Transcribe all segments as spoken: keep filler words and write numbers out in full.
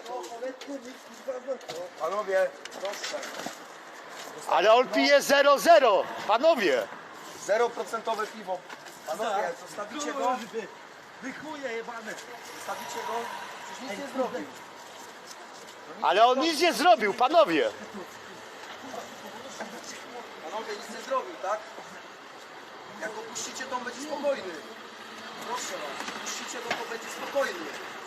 Panowie, proszę. Ale on pije zero zero, panowie. zero procent piwo. Panowie, zostawicie go? Wy chuje jebane. Zostawicie go? Przecież nic nie zrobił. Ale on nic nie zrobił, panowie. Panowie, nic nie zrobił, tak? Jak opuścicie, to on będzie spokojny. Proszę was, opuścicie go, to będzie spokojny.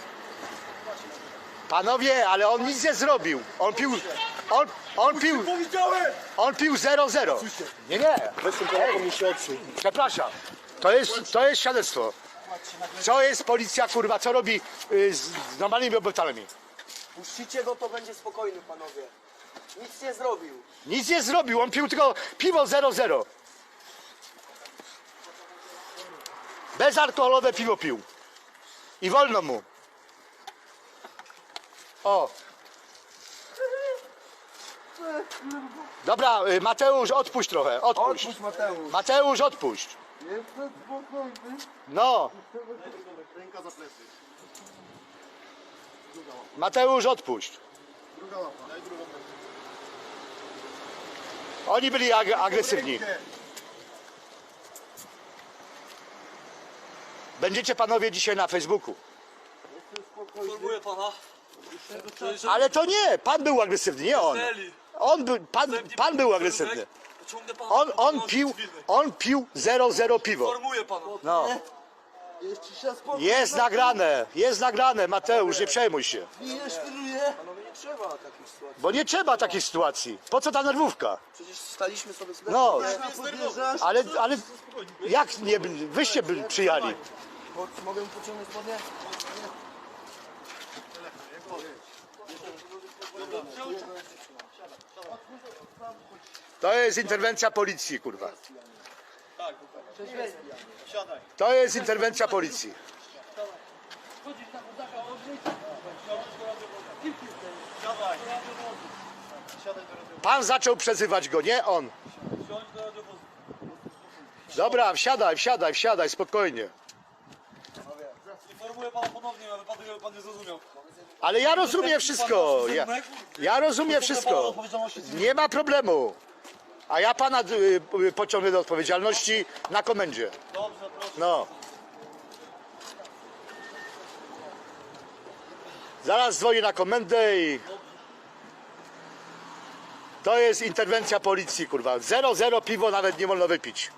Panowie, ale on nic nie zrobił. On pił, on, on pił, on pił zero zero. Nie, nie. Przepraszam. To jest, to jest świadectwo. Co jest policja, kurwa, co robi y, z, z normalnymi obywatelami? Puścicie go, to będzie spokojny, panowie. Nic nie zrobił. Nic nie zrobił, on pił tylko piwo zero zero. Bezalkoholowe piwo pił. I wolno mu. O. Dobra, y, Mateusz, odpuść trochę, odpuść. Odpuść, Mateusz. Mateusz, odpuść. Jestem spokojny. No. Ręka za plecy. Mateusz, odpuść. Druga łapa. Daj drugą rękę. Oni byli ag agresywni. Będziecie panowie dzisiaj na Facebooku. Informuję pana. Ale to nie, pan był agresywny, nie on. On był, pan, pan był agresywny. Ciągnę pana. On, on pił, on pił zero zero piwo. Informuję pana. No. Jeszcze się spokój. Jest nagrane, jest nagrane, Mateusz, nie przejmuj się. Nie świruje. Panowie, nie trzeba takich sytuacji. Bo nie trzeba takiej sytuacji. Po co ta nerwówka? Przecież staliśmy sobie z No, Podjeżdżasz. ale, ale jak nie, byli- wyście byli przyjali? Mogę mu pociągnąć spodnie? To jest interwencja policji, kurwa. Siadaj. To jest interwencja policji. Siadaj. Siadaj do radiowozu. Pan zaczął przezywać go, nie on. Siądź do radiowozu. Dobra, wsiadaj, wsiadaj, wsiadaj, spokojnie. Informuję pana ponownie, ale pan, pan nie zrozumiał. Ale ja rozumiem wszystko. Ja, ja rozumiem wszystko. Nie ma problemu. A ja pana y, y, pociągnę do odpowiedzialności na komendzie. Dobrze, proszę. No. Zaraz dzwonię na komendę i... To jest interwencja policji, kurwa. Zero zero piwo nawet nie wolno wypić.